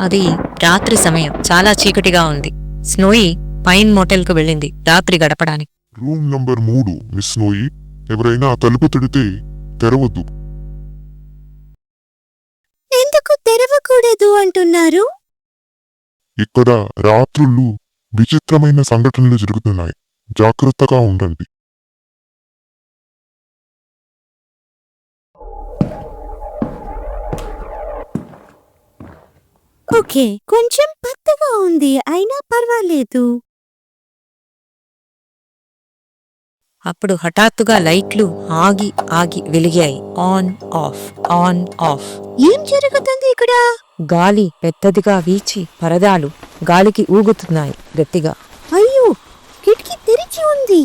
అది రాత్రి సమయం. చాలా చీకటిగా ఉంది. స్నోయి పైన్ మోటెల్కు వెళ్ళింది రాత్రి గడపడానికి. రూమ్ నంబర్ 3 మిస్ నోయి. ఎవరైనా తలుపు తడితే తెరవద్దు. ఎందుకు తెరవకూడదు అంటున్నారు? ఇక్కడ రాత్రుళ్ళు విచిత్రమైన సంఘటనలు జరుగుతున్నాయి. జాగ్రత్తగా ఉండండి. ఓకే, కొంచెం పత్తగా ఉంది, అయినా పర్వాలేదు. అప్పుడు హఠాత్తుగా లైట్లు ఆగి ఆగి వెలిగాయి. On off, on off. ఏం జరుగుతుంది ఇక్కడ? గాలి పెద్దదిగా వీచి పరదాలు గాలికి ఊగుతున్నాయి గట్టిగా. అయ్యో, కిటికీ తెరిచి ఉంది.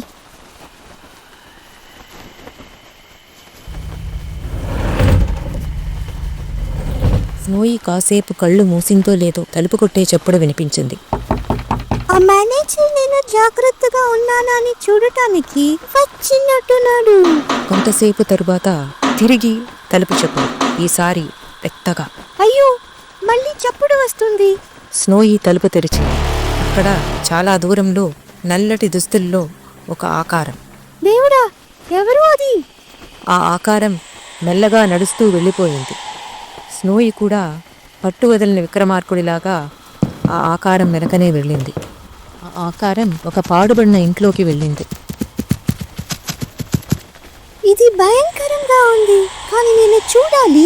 స్నోయి కాసేపు కళ్ళు మూసిందో లేదో తలుపు కొట్టే చప్పుడు వినిపించింది. ఆ మేనేజర్ నేను జాగ్రత్తగా ఉన్నానని చూడటానికి వచ్చినట్టున్నాడు. కొంతసేపు తరువాత తిరిగి తలుపు చప్పుడు, ఈసారి పెద్దగా. అయ్యో, మళ్ళీ చప్పుడు వస్తుంది. స్నోయి తలుపు తెరిచింది. అక్కడ చాలా దూరంలో నల్లటి దుస్తుల్లో ఒక ఆకారం. దేవుడా, ఎవరు అది? ఆ ఆకారం మెల్లగా నడుస్తూ వెళ్ళిపోయింది. స్నోయి కూడా పట్టు వదిలిన విక్రమార్కుడిలాగా ఆ ఆకారం వెనకనే వెళ్ళింది. ఆ ఆకారం ఒక పాడుబడిన ఇంట్లోకి వెళ్ళింది. ఇది భయంకరంగా ఉంది, కానీ నేను చూడాలి.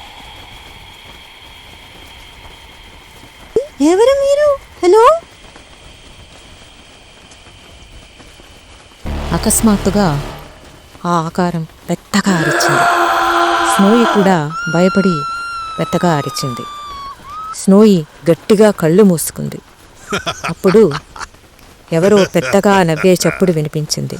ఎవరు మీరు? హలో? అకస్మాత్తుగా ఆ ఆకారం పెద్దగా అరిచింది. స్నోయి కూడా భయపడి పెద్దగా అరిచింది. స్నోయి గట్టిగా కళ్ళు మూసుకుంది. అప్పుడు ఎవరో పెద్దగా నవ్వే చప్పుడు వినిపించింది.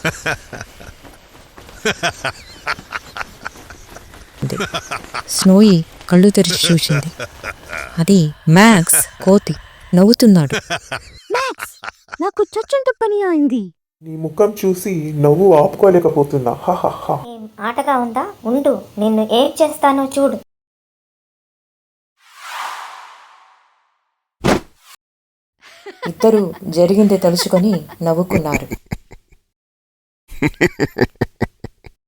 స్నోయి కళ్ళు తెరిచి చూసింది. అది మ్యాక్స్ కోతి నవ్వుతున్నాడు. మ్యాక్స్, నాకు చచ్చుంటు పని అయింది. నీ ముఖం చూసి నవ్వు ఆపుకోలేకపోతున్నా. ఏం ఆటగా ఉందా? ఉండు, నిన్ను ఏం చేస్తానో చూడు. ఇద్దరూ జరిగింది తలుచుకొని నవ్వుకున్నారు.